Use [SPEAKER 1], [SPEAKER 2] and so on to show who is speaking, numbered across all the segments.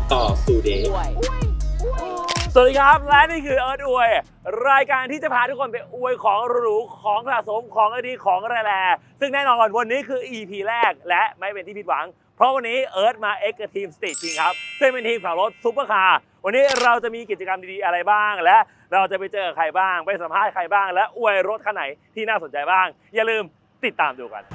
[SPEAKER 1] ต่อสู่เดย์
[SPEAKER 2] สวัสดีครับและนี่คือเอิร์ธอวยรายการที่จะพาทุกคนไปอวยของหรูของสะสมของดีของแร่ซึ่งแน่นอนวันนี้คือ EP แรกและไม่เป็นที่ผิดหวังเพราะวันนี้เอิร์ธมาเอ็กกับทีมสตรีทคิงครับซึ่งเป็นทีมขับรถซุปเปอร์คาร์วันนี้เราจะมีกิจกรรมดีๆอะไรบ้างและเราจะไปเจอใครบ้างไปสัมภาษณ์ใครบ้างและอวยรถคันไหนที่น่าสนใจบ้างอย่าลืมติดตามดูกัน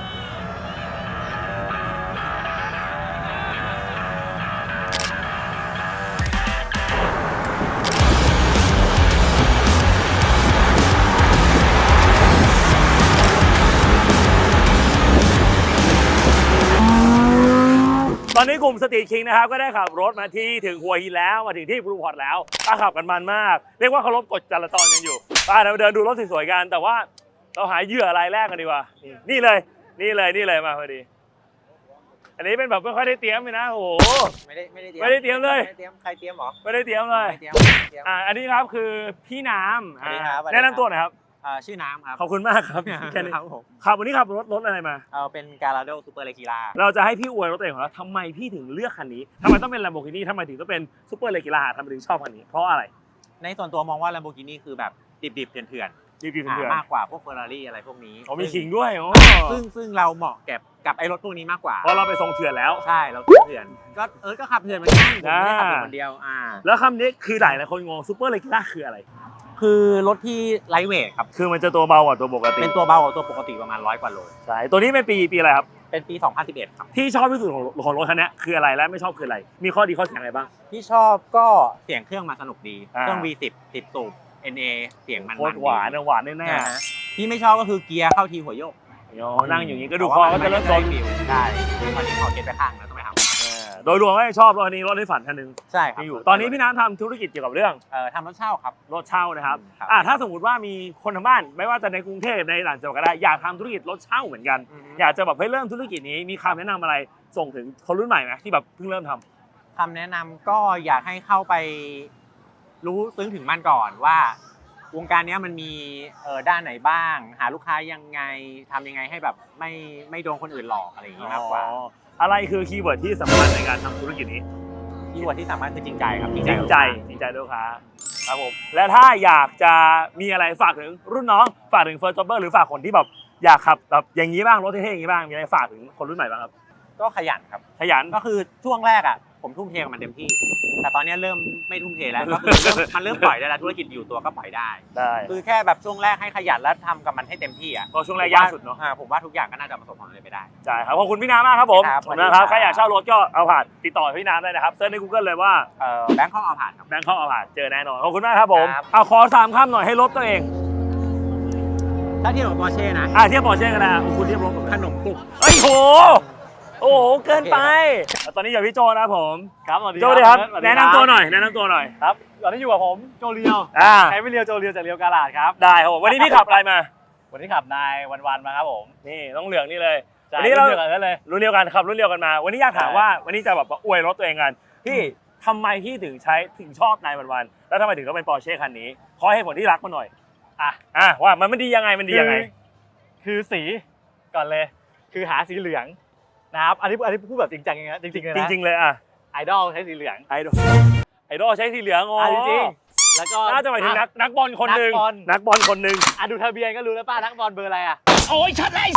[SPEAKER 2] ตอนนี้กลุ่มสตรีทคิงนะครับก็ได้ขับรถมาที่ถึงหัวหินแล้วมาถึงที่บลูพอร์ตแล้วขับกันมันมากเรียกว่าเคารพกฎจราจรกันอยู่เราเดินดูรถสวยๆกันแต่ว่าเราหาเหยื่อรายแรกกันดีกว่านี่เลยมาพอดีอันนี้เป็นแบบไม่ค่อยได้เตรียมเลยนะโอ้โหไม่ได้เตรียมเลย
[SPEAKER 3] ใครเตรียมหรอ
[SPEAKER 2] ไม่ได้เตรียมเลยอันนี้ครับคือพี่น้ำแนะนำตัวหน่อยครับ
[SPEAKER 3] ชื่อน้ำครับ
[SPEAKER 2] ขอบคุณมากครับแค่นี้ครับวันนี้ขับรถอะไรมา
[SPEAKER 3] เป็นการาโดซูเปอร์เลกิล่า
[SPEAKER 2] เราจะให้พี่อวยรถตัวเองของเราทำไมพี่ถึงเลือกคันนี้ทำไมต้องเป็น Lamborghini ทำไมถึงต้องเป็นซูเปอร์เลกิล่าทำไมถึงชอบคันนี้เพราะอะไร
[SPEAKER 3] ในส่วนตัวมองว่า Lamborghini คือแบบดิบๆเถื่อน
[SPEAKER 2] ๆ
[SPEAKER 3] มากกว่าพวก Ferrari อะไรพวกนี้
[SPEAKER 2] มีขิงด้วย
[SPEAKER 3] ซึ่งเราเหมาะกับไอ้รถพวกนี้มากกว่า
[SPEAKER 2] เพราะเราไปทรงเถื่อนแล้ว
[SPEAKER 3] ใช่เราเถื่อนก็ขับเถื่อนเหมือนกันผมไม่ได้ขับคนเดียว
[SPEAKER 2] แล้วคำนี้คือหลายคนงงซูเปอร์เลกิล่าคืออะไร
[SPEAKER 3] คือรถที่ไลท์เวทครับ
[SPEAKER 2] คือมันจะตัวเบากว่าตัวปกติ
[SPEAKER 3] เป็นตัวเบากว่าตัวปกติประมาณ100 กว่าโล
[SPEAKER 2] ใช่ตัวนี้เป็นปีอะไรครับ
[SPEAKER 3] เป็นปี2011ครับ
[SPEAKER 2] ที่ชอบที่สุดของรถคันนี้คืออะไรและไม่ชอบคืออะไรมีข้อดีข้อเสียอะไรบ้าง
[SPEAKER 3] ที่ชอบก็เสียงเครื่องมาสนุกดีเครื่อง V10 10 สูบ NA เสียงมัน
[SPEAKER 2] หวานแน่
[SPEAKER 3] ๆที่ไม่ชอบก็คือเกียร์เข้าทีหัวโยก
[SPEAKER 2] นั่งอย่างนี้ก็ดูคอก็จะเริ่มโซน
[SPEAKER 3] ใช่ตอนนี้ขอเก็บไปข้างแล้วต้องไปทำ
[SPEAKER 2] โดยรวมไม่ชอบรถคันนี้รถในฝันคันนึง
[SPEAKER 3] ใช่ครับ
[SPEAKER 2] ตอนนี้พี่น้ำทำธุรกิจเกี่ยวกับเรื่อง
[SPEAKER 3] ทำรถเช่าครับ
[SPEAKER 2] รถเช่านะครับถ้าสมมติว่ามีคนทางบ้านไม่ว่าจะในกรุงเทพในต่างจังหวัดก็ได้อยากทำธุรกิจรถเช่าเหมือนกันอยากจะแบบให้เริ่มธุรกิจนี้มีคำแนะนำอะไรส่งถึงคนรุ่นใหม่ไหมที่แบบเพิ่งเริ่มท
[SPEAKER 3] ำคำแนะนำก็อยากให้เข้าไปรู้ซึ้งถึงมันก่อนว่าวงการนี้มันมีด้านไหนบ้างหาลูกค้ายังไงทำยังไงให้แบบไม่โดนคนอื่นหลอกอะไรอย่างนี้มากกว่า
[SPEAKER 2] อะไรคือคีย์เวิร์ดที่สำคัญในการทำธุรกิจนี้
[SPEAKER 3] คีย์เวิร์ดที่สำคัญคือจริงใจครับ
[SPEAKER 2] จริงใจลูกค้าครับผมและถ้าอยากจะมีอะไรฝากถึงรุ่นน้องฝากถึงเฟิร์สจ็อบเบอร์หรือฝากคนที่แบบอยากขับแบบอย่างนี้บ้างรถเท่ๆอย่างนี้บ้างมีอะไรฝากถึงคนรุ่นใหม่บ้างครับ
[SPEAKER 3] ก็ขยันครับ
[SPEAKER 2] ขยัน
[SPEAKER 3] ก็คือช่วงแรกผมทุ่มเทกับมันเต็มที่แต่ตอนนี้เริ่มไม่ทุ่มเทแล้วก็คือมันเริ่มปล่อยได้แล้วธุรกิจอยู่ตัวก็ปล่อยได้คือแค่แบบช่วงแรกให้ขยันแล้วทำกับมันให้เต็มที่
[SPEAKER 2] เพราะช่วงแรกยากสุดเนาะ
[SPEAKER 3] ผมว่าทุกอย่างก็น่าจะประสบความสำเร็จไปได้
[SPEAKER 2] ใช่ครับขอบคุณพี่น้ำมากครับผมนะครับใครอยากเช่ารถก็เอาผ่านติดต่อพี่น้ำได้นะครับเซิร์ชใน Google เลยว่า
[SPEAKER 3] แบงค์เข้าเอาผ่านครับ
[SPEAKER 2] แบงค์เข้าเอาผ่านเจอแน่นอนขอบคุณมากครับผมเอาขอ3 คำหน่อยให้รถตัวเอง
[SPEAKER 3] ถ้าเทียบกับปอร์เช่นะ
[SPEAKER 2] เทียบปอร์เช่กันนะคุณเทียบรถกับ
[SPEAKER 3] ขนมปุก
[SPEAKER 2] โอ้โหเกินไปตอนนี้อยู่พี่โจนะผม
[SPEAKER 1] ครับสวัสดี
[SPEAKER 2] ครับแนะนำตัวหน่อย
[SPEAKER 1] ครับตอนนี้อยู่กับผมโจเรียวใช้ไม่เรียวโจเรียวจากเรียวกาลาดครับ
[SPEAKER 2] ได้ครับผมวันนี้พี่ขับอะไรมา
[SPEAKER 1] วันนี้ขับนายวันมาครับผม
[SPEAKER 2] นี่ต้องเหลืองนี่เลย
[SPEAKER 1] วันนี้เรารุ่นเดียวกัน
[SPEAKER 2] ขับรุ่นเดียวกันมาวันนี้อยากถามว่าวันนี้จะแบบอวยรถตัวเองกันพี่ทำไมพี่ถึงชอบนายวันแล้วทำไมถึงต้องเป็นปอร์เช่คันนี้ขอให้ผลที่รักมาหน่อยว่ามันดียังไง
[SPEAKER 1] คือสีก่อนเลยคือหาสีเหลืองนะครับอันนี้พูดแบบจริงจังอย่างเงี้ยจริงๆเลยนะ
[SPEAKER 2] จริงๆเลย
[SPEAKER 1] ไอดอลใช้สีเหลือง
[SPEAKER 2] ไอดอลใช้สีเหลือง
[SPEAKER 1] จริงๆแล้วก็
[SPEAKER 2] น่าจะหมายถึงนักบอลคนหนึ่ง
[SPEAKER 1] ดูทะเบียนก็รู้แล้วป้านักบอลเบอร์อะไร
[SPEAKER 2] โอ้ยชัดเลย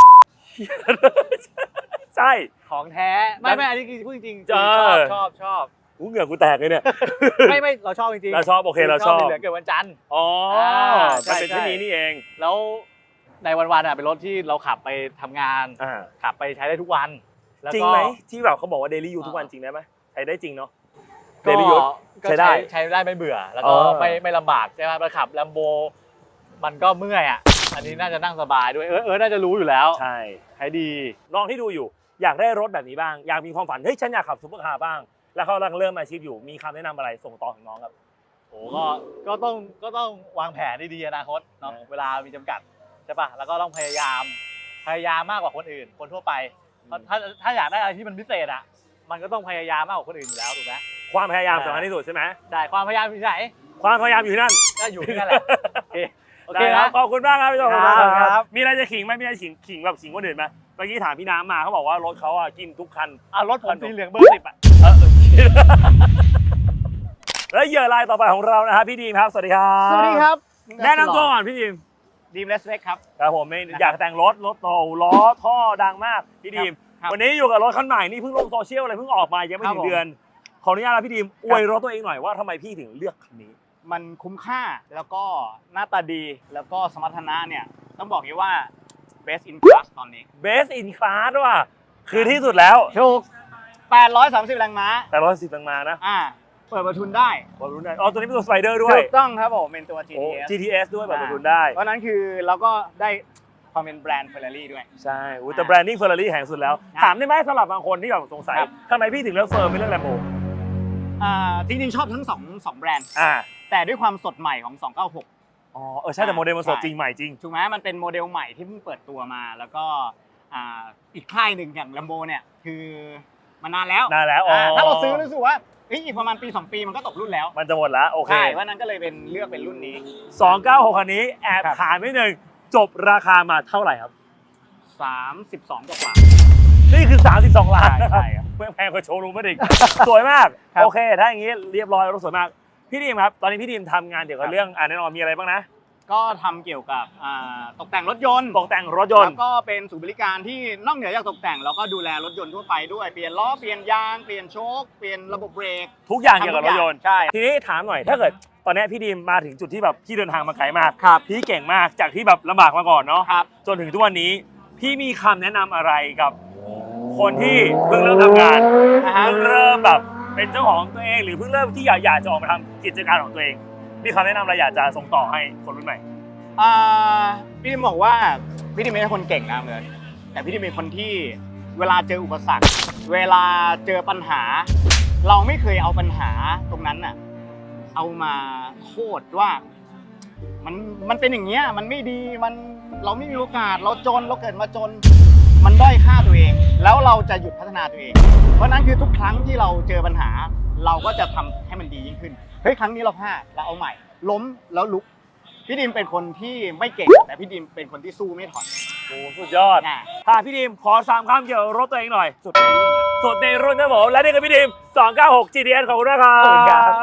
[SPEAKER 2] ใช่
[SPEAKER 1] ของแท้ไม่อันนี้คือพูดจริงชอบ
[SPEAKER 2] เหงื่อกูแตกเลยเนี่ย
[SPEAKER 1] ไม่เราชอบจริงๆ
[SPEAKER 2] เราชอบโอเคเราชอบ
[SPEAKER 1] เหลืองเกิดวันจันทร์
[SPEAKER 2] มันเป็นที่นี้นี่เอง
[SPEAKER 1] แล้วในวันเป็นรถที่เราขับไปทำงานขับไปใช้ได้ทุกวัน
[SPEAKER 2] จริงไหมที่แบบเขาบอกว่าเดลี่ยูทุกวันจริงได้ไหมใช้ได้จริงเนาะเดลี่ยู
[SPEAKER 1] ใช้ได้ไม่เบื่อแล้วก็ไม่ลำบากใช่ไหมเราขับ Lambo มันก็เมื่อยอันนี้น่าจะนั่งสบายด้วยน่าจะรู้อยู่แล้ว
[SPEAKER 2] ใช่
[SPEAKER 1] ใช้ดี
[SPEAKER 2] น้องที่ดูอยู่อยากได้รถแบบนี้บ้างอยากมีความฝันเฮ้ยฉันอยากขับซุปเปอร์คาร์บ้างแล้วเขากำลังเริ่มอาชีพอยู่มีคำแนะนำอะไรส่งต่อถึงน้องครับ
[SPEAKER 1] ก็ต้องวางแผนดีๆอนาคตเนาะเวลามีจำกัดใช่ป่ะแล้วก็ต้องพยายามมากกว่าคนอื่นคนทั่วไปถ้าอยากได้อะไรที่มันพิเศษมันก็ต้องพยายามมากกว่าคนอื่นอยู่แล้วถูกไหม
[SPEAKER 2] ความพยายามสำคัญที่สุดใช่ไหม
[SPEAKER 1] ใช่ความพยายามอยู่ไหน
[SPEAKER 2] ความพยายามอยู่นั่น
[SPEAKER 1] ก็อยู่ที่นั่นแหละโอเค
[SPEAKER 2] ครับขอบคุณมากครับพี่โจครับมีอะไรจะขิงไหมมีอะไรขิงแบบขิงคนอื่นไหมเมื่อกี้ถามพี่น้ำมาเขาบอกว่ารถเขากินทุกคัน
[SPEAKER 1] รถผมสีเหลืองเบอร์ 10
[SPEAKER 2] และเหยื่อรายต่อไปของเรานะครับพี่ดีมครับสวัสดีครับ
[SPEAKER 1] สวัสดีครับ
[SPEAKER 2] แนะนำตัวก่อนพี่ดีม
[SPEAKER 1] ดีมเลสเล็กครับ
[SPEAKER 2] ครับผมไม่อยากแต่งรถโตล้อท่อดังมากพี่ดีม
[SPEAKER 1] ครับ
[SPEAKER 2] วันนี้อยู่กับรถคันใหม่นี่เพิ่งลงโซเชียลเลยเพิ่งออกมายังไม่
[SPEAKER 1] ครับ
[SPEAKER 2] ถึงเดือนขออนุญาตนะพี่ดีมอวยรถตัวเองหน่อยว่าทำไมพี่ถึงเลือกคันนี้
[SPEAKER 4] มันคุ้มค่าแล้วก็หน้าตาดีแล้วก็สมรรถนะเนี่ยต้องบอกอย่างว่า best in class ตอนนี้
[SPEAKER 2] Best in Class ว่ะคือที่สุดแล้ว
[SPEAKER 4] ถูก 830 แรงม้า
[SPEAKER 2] แต่ร้อยสิบตังมานะ
[SPEAKER 4] เปิดประทุนได้
[SPEAKER 2] บอลลูนได้อ๋อตัวนี้เป็นตัวสไปเดอร์ด้วย
[SPEAKER 4] ถูกต้องครับผมเป็นตัว
[SPEAKER 2] โอ้
[SPEAKER 4] GTS
[SPEAKER 2] GTS ด้วยแบบบอลลูนได้
[SPEAKER 4] เพราะฉะนั้นคือเราก็ได้ความเป็นแบรนด์ Ferrari ด้วย
[SPEAKER 2] ใช่อุ๊ยแต่แบรนดิ้งเฟอร์รารี่แห่งสุดแล้ว ถามได้ไหมสำหรับบางคนที่แบบสงสัย
[SPEAKER 4] ครับ
[SPEAKER 2] ทำไมพี่ถึงเลือกเฟิร์มไม่เลือกแลมโบ
[SPEAKER 4] จริงๆ ชอบทั้งสองแบรนด์
[SPEAKER 2] อ่า
[SPEAKER 4] แต่ด้วยความสดใหม่ของ 296
[SPEAKER 2] อ๋อใช่แต่โมเดลมันสด
[SPEAKER 4] ใช่
[SPEAKER 2] จริงใหม่จริง
[SPEAKER 4] ถูกไหมมันเป็นโมเดลใหม่ที่เพิ่งเปิดตัวมา แล้วก็อีกค่ายหนึ่งอย่าง Lambo เนี่ยคือมานานแล้ว
[SPEAKER 2] นานแล้วอ๋อ
[SPEAKER 4] ถ้าเราซื้อรู้สึกว่าอีกประมาณปี 2 ปีมันก็ตกรุ่นแล้ว
[SPEAKER 2] มันจะหมดแล้วโอเค
[SPEAKER 4] ใช่เพราะนั้นก็เลยเป็นเลือกเป็นรุ่นนี้
[SPEAKER 2] 296คันนี้แอบ
[SPEAKER 4] ครับ
[SPEAKER 2] ถามนิดนึงจบราคามาเท่าไหร่ครับ
[SPEAKER 4] 32กว่า
[SPEAKER 2] นี่คือ 32 ล้าน
[SPEAKER 4] ใช่ครับ
[SPEAKER 2] ไม่แพงกว่าโชว์รูมไม่ดิ สวยมาก
[SPEAKER 4] ครับ
[SPEAKER 2] โอเค ถ้าอย่างนี้เรียบร้อยรถสวยมาก พี่ดีมครับ ตอนนี้พี่ดีมทำงานเกี่ยวกับ
[SPEAKER 4] ครับ
[SPEAKER 2] เรื่องแน่นอนมีอะไรบ้างนะ
[SPEAKER 4] ก็ทำเกี่ยวกับตกแต่งรถยนต์
[SPEAKER 2] ตกแต่งรถยน
[SPEAKER 4] แล้
[SPEAKER 2] ต์
[SPEAKER 4] วก็เป็นศูนย์บริการที่นอกเหนือจากตกแต่งแล้วก็ดูแลรถยนต์ทั่วไปด้วยเปลี่ยนล้อเปลี่ยนยางเปลี่ยนโชคเปลี่ยนระบบเบรก
[SPEAKER 2] ทุกอย่างเกี่ยวกับรถยนต์
[SPEAKER 4] ใช่
[SPEAKER 2] ทีนี้ถามหน่อยถ้าเกิดตอนนี้พี่ดีมมาถึงจุดที่แบบพี่เดินทางมาไกลมาก
[SPEAKER 4] ครับ
[SPEAKER 2] พี่เก่งมากจากที่แบบลำบากมาก่อนเนาะ
[SPEAKER 4] ครับ
[SPEAKER 2] จนถึงทุกวันนี้พี่มีคำแนะนำอะไรกับคนที่เพิ่งเริ่มทำงาน
[SPEAKER 4] นะฮะ
[SPEAKER 2] เพิ่งเริ่มแบบเป็นเจ้าของตัวเองหรือเพิ่งเริ่มที่อยากจะออกมาทำกิจการของตัวเองมีคำแนะนำอะไรอยากจะส่งต่อให้คนรุ่นใหม่
[SPEAKER 4] พี่ดิมบอกว่าพี่ดิมไม่ใช่คนเก่งนะเลยแต่พี่ดิมเป็นคนที่เวลาเจออุปสรรค เวลาเจอปัญหา เราไม่เคยเอาปัญหาตรงนั้นน่ะเอามาโทษว่ามันเป็นอย่างเงี้ยมันไม่ดีเราไม่มีโอกาสเราจนเราเกิดมาจน มันด้อยค่าตัวเอง แล้วเราจะหยุดพัฒนาตัวเอง เพราะฉะนั้นคือทุกครั้งที่เราเจอปัญหา เราก็จะทำให้มันดียิ่งขึ้นเฮ้ยครั้งนี้เราพลาดเราเอาใหม่ ล้มแล้วลุกพี่ดิมเป็นคนที่ไม่เก่ง แต่พี่ดิมเป็นคนที่สู้ไม่ถอย
[SPEAKER 2] โอ้สุดยอด
[SPEAKER 4] นะ
[SPEAKER 2] ค่ะพี่ดีมขอ3คำเกี่ยวกับรถตัวเองหน่อย สุดในรุ่นนะผมและนี่คือพี่ดีม296 GTS ขอบคุณนะครับ
[SPEAKER 4] ขอบคุณครับ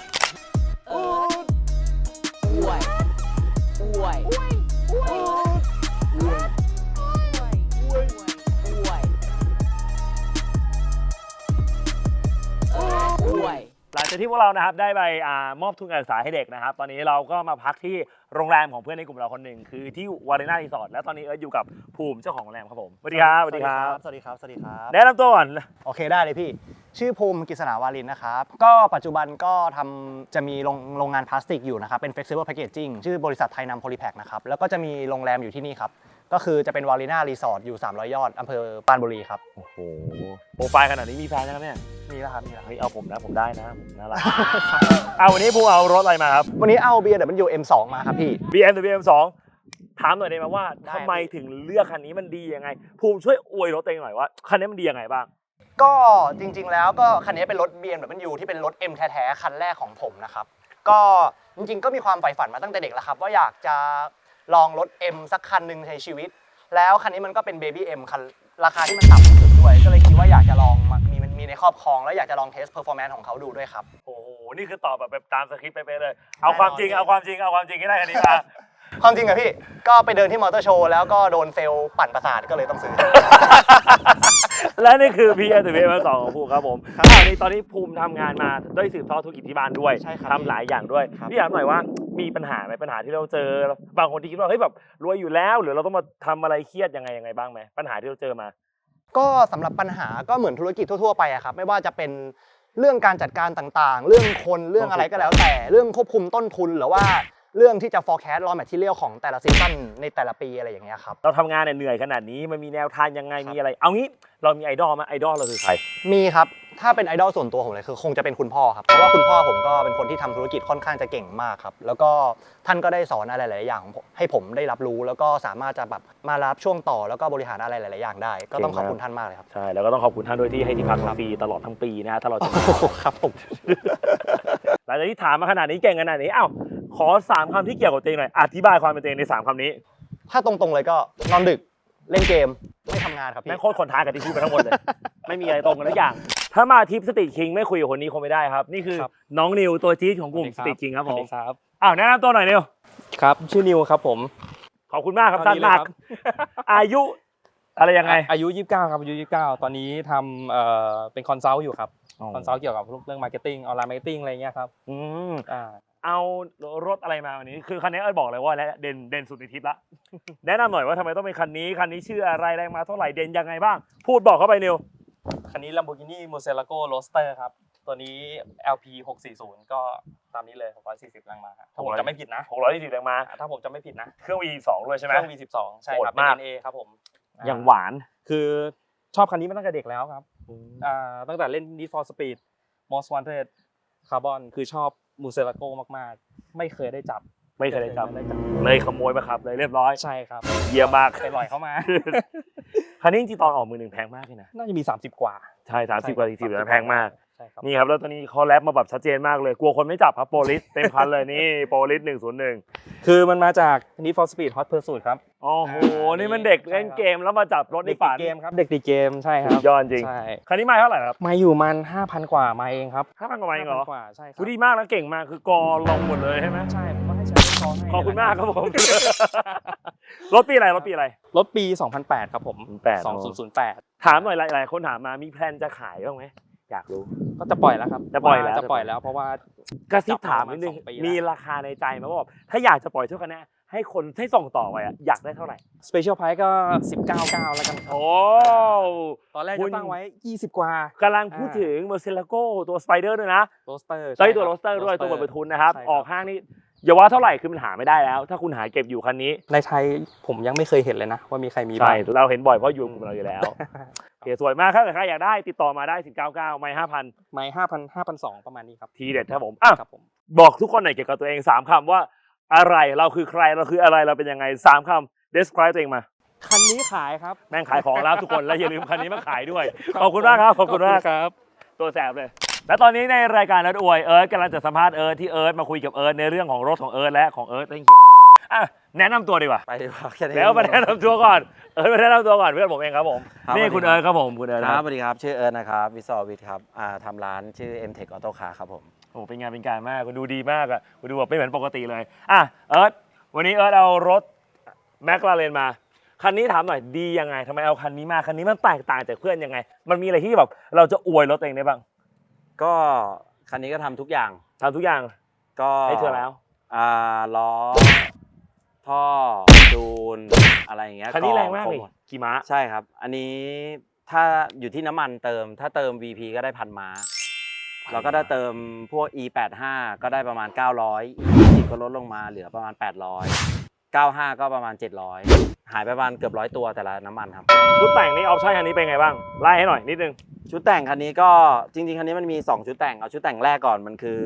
[SPEAKER 2] หลังจากที่พวกเรานะครับได้ไปมอบทุนการศึกษาให้เด็กนะครับ ตอนนี้เราก็มาพักที่โรงแรมของเพื่อนในกลุ่มเราคนหนึ่งคือที่วารีนารีสอร์ทและตอนนี้อยู่กับภูมิเจ้าของโรงแรมครับผมสวัสดีครับ
[SPEAKER 5] สวัสดีครับ สวัสดีครับ สวัสดีครับ
[SPEAKER 2] แนะนำตัวก่อน
[SPEAKER 5] โอเคได้เลยพี่ ชื่อภูมิกฤษณาวารินนะครับ ก็ปัจจุบันก็จะมีโรงงานพลาสติกอยู่นะครับ เป็น flexible packaging ชื่อบริษัทไทยนำโพลีแพคนะครับ แล้วก็จะมีโรงแรมอยู่ที่นี่ครับ ก็คือจะเป็นวารีนารีสอร์ทอยู่300 ยอดอำเภอปรานบุรีครับ
[SPEAKER 2] โอ้โหโปรไฟล์ขนาดนี้มีแฟนยังเนี่ย
[SPEAKER 5] มีแล้วครับ มีแล้ว
[SPEAKER 2] เฮ้ยเอาผมนะผมได้นะผมน่ารัก วันนี้ภูมิเอารถอะไรมาครับ
[SPEAKER 5] วันนี้เอา BMW M2 มาครับพี่
[SPEAKER 2] BMW M2 ถามหน่อยได้ไหมว่า
[SPEAKER 5] ได้
[SPEAKER 2] ทำไมถึงเลือกคันนี้มันดียังไง ภูมิช่วยอวยรถตัวเองหน่อยว่าคันนี้มันดียังไงบ้าง
[SPEAKER 5] ก็จริงๆแล้วก็คันนี้เป็นรถ BMW ที่เป็นรถ M แท้ๆคันแรกของผมนะครับ ก็จริงๆก็มีความใฝ่ฝันมาตั้งแต่เด็กแล้วครับว่าอยากจะลองรถ M สักคันหนึ่งในชีวิต แล้วคันนี้มันก็เป็น Baby M คันราคาที่มันต่ำที่สุดด้วย ก็เลยคิดว่าอยากจะลองมีในครอบครองแล้วอยากจะลองเทสเพอร์ฟอร์แมนซ์ของเขาดูด้วยครับ
[SPEAKER 2] โอ้โห นี่คือตอบแบบตามสคริปต์ไปเลย เอาความจริงให้ได้คันนี้มา
[SPEAKER 5] ความจริงอะพี่ ก็ไปเดินที่มอเตอร์โชว์แล้วก็โดนเซลล์ปั่นประสาทก็เลยต้องซื้อ
[SPEAKER 2] และนี่คือ BMW M2 ของภูมิครับผมตอนนี้ภูมิทำงานมาด้วยสืบทอดธุรกิจที่บ้านด้วย
[SPEAKER 5] ใช่ครับ
[SPEAKER 2] ทำหลายอย่างด้วย
[SPEAKER 5] ครับ
[SPEAKER 2] พี่ถามหน่อยว่ามีปัญหาไหมปัญหาที่เราเจอบางคนที่คิดว่าเฮ้ยแบบรวยอยู่แล้วหรือเราต้องมาทำอะไรเครียดยังไงบ้างไหมปัญหาที่เราเจอมา
[SPEAKER 5] ก็สำหรับปัญหาก็เหมือนธุรกิจทั่วๆไปอะครับไม่ว่าจะเป็นเรื่องการจัดการต่างๆ เรื่องคนเรื่องอะไรก็แล้วแต่เรื่องควบคุมต้นทุนหรือว่าเรื่องที่จะ forecast raw material ของแต่ละซีซั่นในแต่ละปีอะไรอย่างเงี้ยครับ
[SPEAKER 2] เราทำงานเนี่ยเหนื่อยขนาดนี้มันมีแนวทางยังไงมีอะไร เอางี้เรามีไอดอลไหมไอดอลเราคือใคร
[SPEAKER 5] มีครับถ้าเป็นไอดอลส่วนตัวผมเลยคือคงจะเป็นคุณพ่อครับเพราะว่าคุณพ่อผมก็เป็นคนที่ทำธุรกิจค่อนข้างจะเก่งมากครับแล้วก็ท่านก็ได้สอนอะไรหลายๆอย่างให้ผมได้รับรู้แล้วก็สามารถจะแบบมารับช่วงต่อแล้วก็บริหารอะไรหลายๆอย่างได้ ก็ต้องขอบคุณท่านมากเลยครับ
[SPEAKER 2] ใช่แล้วก็ต้องขอบคุณท่านด้วยที่ให้ที่พักฟรีตลอดทั้งปีนะถ้าเราจะมา
[SPEAKER 5] ครับผม
[SPEAKER 2] หลังจากที่ถามมาขนาดนี้เก่งขนาดนี้อ้าวขอ3คำที่เกี่ยวกับตัวเองหน่อยอธิบายความเป็นตัวเองใน3คำนี้
[SPEAKER 5] ถ้าตรงๆเลยก็นอนดึกเล่นเกมไม่ทำงานครับพี่
[SPEAKER 2] แม่งโคตรคนท้ายกับที่พูดไปทั้งหมดเลย ไม่มีอะไรตรงกันทุกอย่างถ้ามาทริปสตรีทคิงไม่คุยกับคนนี้คงไม่ได้ครับนี่คือ
[SPEAKER 6] ครับ
[SPEAKER 2] น้องนิวตัวจี๊ดของกลุ่ม
[SPEAKER 6] ส
[SPEAKER 2] ส
[SPEAKER 6] วัส
[SPEAKER 2] ตรี
[SPEAKER 6] ดี
[SPEAKER 2] ทคิงครับ
[SPEAKER 6] ส
[SPEAKER 2] ผ
[SPEAKER 6] วัส
[SPEAKER 2] ม
[SPEAKER 6] ดีครับ
[SPEAKER 2] อ้าวแนะนำตัวหน่อยนิว
[SPEAKER 6] ครับชื่อนิวครับผม
[SPEAKER 2] ขอบคุณมากครับ
[SPEAKER 6] เท่า
[SPEAKER 2] สั้น
[SPEAKER 6] นี้เลย
[SPEAKER 2] มาก
[SPEAKER 6] ครับ
[SPEAKER 2] อายุอะไรยังไง
[SPEAKER 6] อายุ 29 ครับอายุ 29 ตอนนี้ทำเป็นคอนซัลท์อยู่ครับคอนซัลท์เกี่ยวกับเรื่องมาร์เก็ตติ้งออนไลน์มาร์เก็ตติ้งอะไรเงี้ยครับ
[SPEAKER 2] อืม
[SPEAKER 6] อ่า
[SPEAKER 2] เอารถอะไรมาวันนี้คือคันนี้เอ้ยบอกเลยว่าเด่นสุดในทริปละ แนะนำหน่อยว่าทำไมต้องเป็นคันนี้ชื่ออะไรแรงมาเท่าไหร่เด่นยังไงบ้าง พูดบอกเข้าไปนิว
[SPEAKER 6] คันนี้ Lamborghini Murcielago Roadster ครับ ตัวนี้ LP 640ก็ตามนี้เลย640แรงม้าครับถ้าผมจำไม่ผิดนะ
[SPEAKER 2] 620แรงม้า
[SPEAKER 6] ถ้าผมจำไม่ผิดนะ
[SPEAKER 2] เครื่อง V2 ด้วยใช่ไหม
[SPEAKER 6] เครื่อง V12 ใช่ครับ
[SPEAKER 2] โหดมาก
[SPEAKER 6] เป็น NA ครับผม
[SPEAKER 2] อย่างหวาน
[SPEAKER 6] คือชอบคันนี้มาตั้งแต่เด็กแล้วครับตั้งแต่เล่น Need for Speed Most Wanted Carbon คือชอบ Murcielago มากๆ ไม่เคยได้จับ
[SPEAKER 2] ไม่เคยได้จับเลยขโมยมาขับเลยเรียบร้อย
[SPEAKER 6] ใช่ครับ
[SPEAKER 2] เยี่ยมมาก
[SPEAKER 6] ไปปล่อยเข้ามา
[SPEAKER 2] คันนี้จริงๆตอนออกมือหนึ่งแพงมากเลยนะ
[SPEAKER 6] น่าจะมี 30 กว่า
[SPEAKER 2] ใช่30กว่า40นะแพงมาก
[SPEAKER 6] ใช่ครับ
[SPEAKER 2] นี่ครับแล้วตอนนี้เขาแรปมาแบบชัดเจนมากเลยกลัวคนไม่จับครับโปลิสเต็มคันเลยนี่โปลิส101
[SPEAKER 6] คือมันมาจาก Need for Speed Hot Pursuit ครับ
[SPEAKER 2] โอ้โห
[SPEAKER 6] อ่านี่
[SPEAKER 2] นี่มันเด็ก
[SPEAKER 6] ใช่ครับ
[SPEAKER 2] เล่นเกมแล้วมาจับรถใน
[SPEAKER 6] เด็กติ
[SPEAKER 2] ฝั
[SPEAKER 6] ด
[SPEAKER 2] น
[SPEAKER 6] เกมครับ เด็กติดเกมใช่ครั
[SPEAKER 2] สุ
[SPEAKER 6] บ
[SPEAKER 2] ดยอดจริง
[SPEAKER 6] ใช่
[SPEAKER 2] คันนี้มาเท่าไหร่ครับ
[SPEAKER 6] มาอยู่มัน 5,000 กว่ามาเองครับ
[SPEAKER 2] 5,000กว่าบาทเองเหรอ
[SPEAKER 6] 5,000 กว่าใช่ครั
[SPEAKER 2] ดูดีมากแล้วเก่งมากคือกอลงหมดเลยใช่ไหม
[SPEAKER 6] ใช่ผมก็ให้ใช้กองให้
[SPEAKER 2] ขอบคุณมากครับผม รถปีอะไร
[SPEAKER 6] รถปี 2008 ครับผม
[SPEAKER 2] 2008
[SPEAKER 6] 2008
[SPEAKER 2] ถามหน่อยหลายๆคนถามมามีแพลนจะขายบ้างไหมอยากรู้
[SPEAKER 6] ก็จะปล่อยแล้วครับ
[SPEAKER 2] จะปล่อยแล้ว
[SPEAKER 6] จะปล่อยแล้วเพราะว่าก
[SPEAKER 2] ระซิบถามนิดนึง
[SPEAKER 6] จับมาประมาณ2 ปีแล้ว
[SPEAKER 2] มีราคาในใจไหมว่าแบบถ้าอยากจะปล่อยเท่ากันนะให้คนให้ส่งต่อไปอะอยากได้เท่าไหร่
[SPEAKER 6] Special Price ก็ 19.9 แล้วกันครับ
[SPEAKER 2] โอ้
[SPEAKER 6] ตอนแรก
[SPEAKER 2] คุ
[SPEAKER 6] จะ
[SPEAKER 2] ณ
[SPEAKER 6] ตั้งไว้ 20 กว่า
[SPEAKER 2] กำลังพูดถึง Murcielago ตัวสไปเดอร์ด้วยนะ
[SPEAKER 6] โรสเตอร์
[SPEAKER 2] ใช่ตัวโรสเตอร์ด้วยตัวบทประทุนนะครับ ออกห้างนี่อย่าว่าเท่าไหร่คือมันหาไม่ได้แล้ว ถ้าคุณหาเก็บอยู่คันนี้
[SPEAKER 6] ในไทยผมยังไม่เคยเห็นเลยนะ ว่ามีใครมี
[SPEAKER 2] ใช่
[SPEAKER 6] บ้าง
[SPEAKER 2] เราเห็นบ่อยเพราะอยู่กับเราอยู่แล้วโอเคสวยมากครับแต่ใครอยากได้ติดต่อมาได้199ไม่5,000
[SPEAKER 6] ไม้5,200 ประมาณนี้ครับ
[SPEAKER 2] ทีเด็ดครับผมอ่ะ
[SPEAKER 6] ครับผม
[SPEAKER 2] บอกทุกคนหน่อยเกี่ยวกับตัวเอง3คำว่าอะไรเราคือใครเราคืออะไรเราเป็นยังไง3คำ describe ตัวเองมา
[SPEAKER 6] คันนี้ขายครับ
[SPEAKER 2] แม่งขายของแล้วทุกคนแล้วอย่าลืมคันนี้มาขายด้วยขอบคุณมากครับขอบคุณมาก
[SPEAKER 6] ครับ
[SPEAKER 2] ตัวแสบเลย และตอนนี้ในรายการเอิร์ธอวยเอิร์ธกำลังจะสัมภาษณ์เอิร์ธที่เอิร์ธมาคุยกับเอิร์ธในเรื่องของรถของเอิร์ธและของเอิร์ธอ่ะแนะนำตัวดีกว่า
[SPEAKER 3] ไปดีกว่าแค่นี้
[SPEAKER 2] แล้วมาแนะนำตัวก่อนเอิร์ธมาแนะนำตัวก่อนเพื่อนผมเองครับผม
[SPEAKER 3] ครับ
[SPEAKER 2] นี่
[SPEAKER 3] สวัสดี
[SPEAKER 2] คุณเอิร์ธครับผมคุณเอิร์ธ
[SPEAKER 3] ค
[SPEAKER 2] ค
[SPEAKER 3] รั
[SPEAKER 2] รั
[SPEAKER 3] บบ สวัสดีครับ ชื่อเอิร์ธนะครับวิศววิทย์ครับทำร้านชื่อ M-Tech Auto Car ครับผม
[SPEAKER 2] โอ้เป็นงานเป็นการมากคุณดูดีมากอ่ะคุณดูแบบไม่เหมือนปกติเลยอ่ะเอิร์ธวันนี้เอิร์ธเอารถแมคลาเรนมาคันนี้ถามหน่อยดียังไงทำไมเอาคันนี้มาคันนี้มันแตกต่างจากเพื่อนยังไง มันมีอะไรที่แบบเราจะอวยรถตัวเองได้บ้าง
[SPEAKER 3] ก็คันนี้ก็ทำทุกอย่าง
[SPEAKER 2] ทำทุกอย่าง
[SPEAKER 3] ก็
[SPEAKER 2] ให้เธอแล้ว
[SPEAKER 3] ล้อท่อจูนอะไรอย่างเงี้ย
[SPEAKER 2] คันนี้แรงมาก
[SPEAKER 3] ค
[SPEAKER 2] เลย
[SPEAKER 3] หด
[SPEAKER 2] กี่ม้า
[SPEAKER 3] ใช่ครับ อันนี้ถ้าอยู่ที่น้ำมันเติม ถ้าเติม VP ก็ได้1,000 ม้า แล้วก็ถ้าเติมพวก E85 ก็ได้ประมาณ 900 E20 ก็ลดลงมาเหลือประมาณ 800 95 ก็ประมาณ 700 หายไปประมาณเกือบ100 ตัวแต่ละน้ำมันครับ
[SPEAKER 2] ชุดแต่งนี่ออปชั่นคันนี้เป็นไงบ้างไล่ให้หน่อยนิดนึง
[SPEAKER 3] ชุดแต่งคันนี้ก็จริงๆ คันนี้มันมี 2 ชุดแต่ง เอาชุดแต่งแรกก่อนมันคือ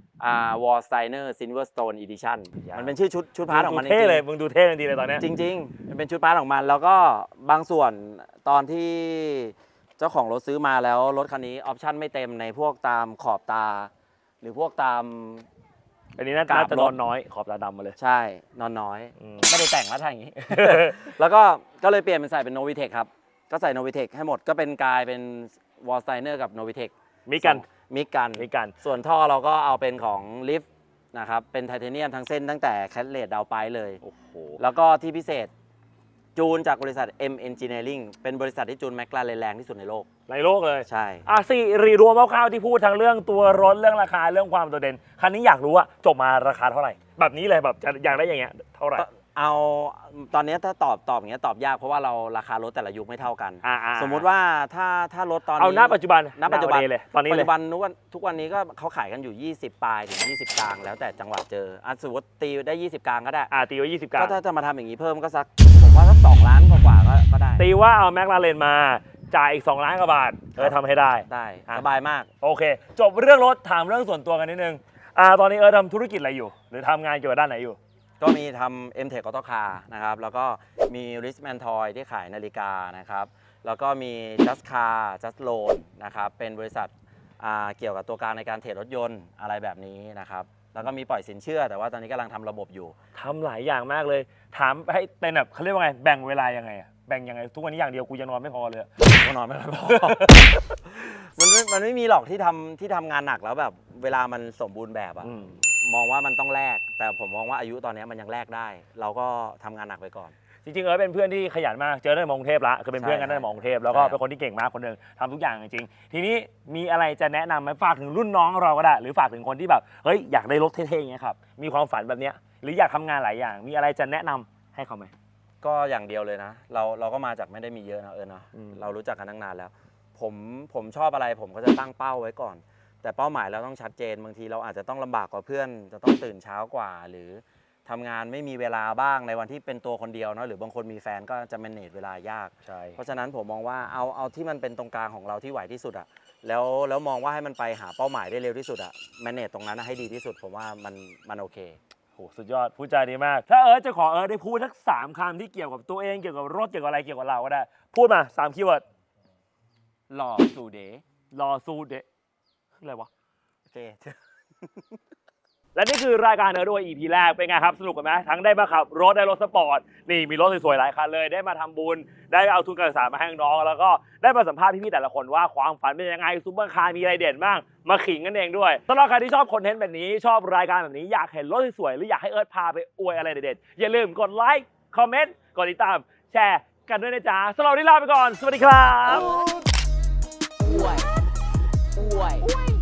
[SPEAKER 3] Wallsteiner Silverstone Edition มันเป็นชื่อชุดพาร์ทของมันจ
[SPEAKER 2] เท่
[SPEAKER 3] ริง
[SPEAKER 2] เลยมึงดูเท่ทันทีเลยตอนเนี้ย
[SPEAKER 3] ๆจริงๆมันเป็นชุดพาร์ทของมัน แล้วก็บางส่วนตอนที่เจ้าของรถซื้อมาแล้วรถคันนี้ออปชั่นไม่เต็มในพวกตามขอบตา หรือพวกตาม
[SPEAKER 2] อันนี้น่าจะนอนน้อยขอบตาดำมาเลย
[SPEAKER 3] ใช่นอนน้อย
[SPEAKER 2] อืม
[SPEAKER 3] ไม่ได้แต่งแล้วทางอย่างนี้ แล้วก็เลยเปลี่ยนเป็นใส่เป็น Novitec ครับ ก็ใส่ Novitec ให้หมดก็เป็นกลายเป็น Wallsteiner กับ Novitec
[SPEAKER 2] มีกัน
[SPEAKER 3] มิกกัน
[SPEAKER 2] มีกัน
[SPEAKER 3] ส่วนท่อเราก็เอาเป็นของลิฟต์นะครับ เป็นไทเทเนียมทั้งเส้นตั้งแต่แคทเลดดาวไปเลย
[SPEAKER 2] โอ้โห
[SPEAKER 3] แล้วก็ที่พิเศษจูนจากบริษัท M Engineering เป็นบริษัทที่จูนแมคลาเรนแรงที่สุดในโลก
[SPEAKER 2] ในโลกเลย
[SPEAKER 3] ใช่
[SPEAKER 2] สี่รีรวมคร่าวๆที่พูดทั้งเรื่องตัวรถเรื่องราคาเรื่องความโดดเด่นคันนี้อยากรู้ว่าจบมาราคาเท่าไหร่ แบบนี้เลยแบบอยากได้อย่างเงี้ยเท่าไหร่
[SPEAKER 3] เอาตอนนี้ถ้าตอบอย่างเงี้ยตอบยากเพราะว่าเราราคารถแต่ละยุคไม่เท่ากัน
[SPEAKER 2] ๆ
[SPEAKER 3] สมมุติว่าถ้ารถตอนนี้
[SPEAKER 2] เอาหน้าปัจจุบัน
[SPEAKER 3] ณปัจจุบัน
[SPEAKER 2] เลยตอนนี้
[SPEAKER 3] ปัจ
[SPEAKER 2] เลย
[SPEAKER 3] จุบันทุกวันนี้ก็เขาขายกันอยู่ 20 ปลายถึง 20 กลางแล้วแต่จังหวะเจอสมมติตีได้ 20 กลางก็ได้
[SPEAKER 2] ตีไว้20กรั
[SPEAKER 3] ก็
[SPEAKER 2] ม
[SPEAKER 3] ถ้าจะมาทำอย่างนี้เพิ่มก็สักผมว่าสัก2 ล้านกว่าก็ได้
[SPEAKER 2] ตีว่าเอาแม็กลาเรนมาจ่ายอีก2 ล้านกว่าบาททำให้ได้
[SPEAKER 3] ได้
[SPEAKER 2] อ่ะ
[SPEAKER 3] สบายมาก
[SPEAKER 2] โอเค จบเรื่องรถถามเรื่องส่วนตัวกันนิดนึงตอนนี้ทำธุรกิจอะไรอยู่ หรือทำงานเกี่ยวกับด้านไหนอยู่
[SPEAKER 3] ก็มีทำ M-Tech Auto Car นะครับ แล้วก็มี Wristman Toy ที่ขายนาฬิกานะครับ แล้วก็มี Just Car Just Loan นะครับ เป็นบริษัทเกี่ยวกับตัวกลางในการเทรดรถยนต์อะไรแบบนี้นะครับ แล้วก็มีปล่อยสินเชื่อ แต่ว่าตอนนี้กำลังทำระบบอยู่
[SPEAKER 2] ทำหลายอย่างมากเลย ถามให้เป็นแบบเขาเรียกว่าไงแบ่งเวลายังไงอะแบ่งยังไงทุกวันนี้อย่างเดียวกูยังนอนไม่พอเลย
[SPEAKER 3] ก็นอนไม่ค่อยพอ มัน
[SPEAKER 7] มันไม่มีหรอกที่ทำงานหนักแล้วแบบเวลามันสมบูรณ์แบบอะ
[SPEAKER 2] อืม
[SPEAKER 7] มองว่ามันต้องแลกแต่ผมมองว่าอายุตอนนี้มันยังแลกได้ เราก็ทำงานหนักไปก่อน
[SPEAKER 2] จริงๆเป็นเพื่อนที่ขยันมากเจอในมอกรุงเทพละคือเป็นเพื่อนกัน
[SPEAKER 7] ใช่
[SPEAKER 2] ในมอกรุงเทพแล้วก็
[SPEAKER 7] ใช่
[SPEAKER 2] เป็นคนที่เก่งมากคนหนึ่งทำทุกอย่างจริงๆทีนี้มีอะไรจะแนะนำไหมฝากถึงรุ่นน้องเราก็ได้หรือฝากถึงคนที่แบบเฮ้ยอยากได้รถเท่ๆอย่างเงี้ยครับมีความฝันแบบเนี้ยหรืออยากทำงานหลายอย่าง มีอะไรจะแนะนำให้เขาไหม
[SPEAKER 7] ก็อย่างเดียวเลยนะ เราก็มาจากไม่ได้มีเยอะนะเนาะ
[SPEAKER 2] อืม
[SPEAKER 7] เรารู้จักกันตั้งนานแล้ว ผมชอบอะไรผมก็จะตั้งเป้าไว้ก่อน แต่เป้าหมายเราต้องชัดเจนบางทีเราอาจจะต้องลำบากกว่าเพื่อน จะต้องตื่นเช้ากว่า หรือทำงานไม่มีเวลาบ้างในวันที่เป็นตัวคนเดียวเนาะหรือบางคนมีแฟนก็จะ manage เวลายาก
[SPEAKER 2] ใช่
[SPEAKER 7] เพราะฉะนั้นผมมองว่าเอาที่มันเป็นตรงกลางของเราที่ไหวที่สุดอะแล้วมองว่าให้มันไปหาเป้าหมายได้เร็วที่สุดอะ manage ตรงนั้นอะให้ดีที่สุด ผมว่ามันโอเค
[SPEAKER 2] โหสุดยอดพูดจาดีมาก ถ้าจะขอได้พูดสัก3 คำที่เกี่ยวกับตัวเองเกี่ยวกับรถเกี่ยวกับอะไรเกี่ยวกับเราก็ได้ พูดมา3 คีย์เวิร์ด
[SPEAKER 7] หล่อสู่เดย์
[SPEAKER 2] รอซูเดะคืออะไรวะ
[SPEAKER 7] โอเค
[SPEAKER 2] และนี่คือรายการด้วย EP แรกเป็นไงครับสนุกกันไหมทั้งได้มาขับรถได้รถสปอร์ตนี่มีรถสวยๆหลายคันเลยได้มาทำบุญได้เอาทุนการศึกษามาให้น้องๆแล้วก็ได้มาสัมภาษณ์พี่ๆแต่ละคนว่าความฝันเป็นยังไงซุปเปอร์คาร์มีอะไรเด่นบ้างมาขิงกันเองด้วยสำหรับใครที่ชอบคอนเทนต์แบบนี้ชอบรายการแบบนี้อยากเห็นรถสวยๆหรืออยากให้พาไปอวยอะไรเด็ดๆอย่าลืมกดไลค์คอมเมนต์กดติดตามแชร์กันด้วยนะจ๊ะสำหรับวันนี้ลาไปก่อนสวัสดีครับ
[SPEAKER 8] Uy.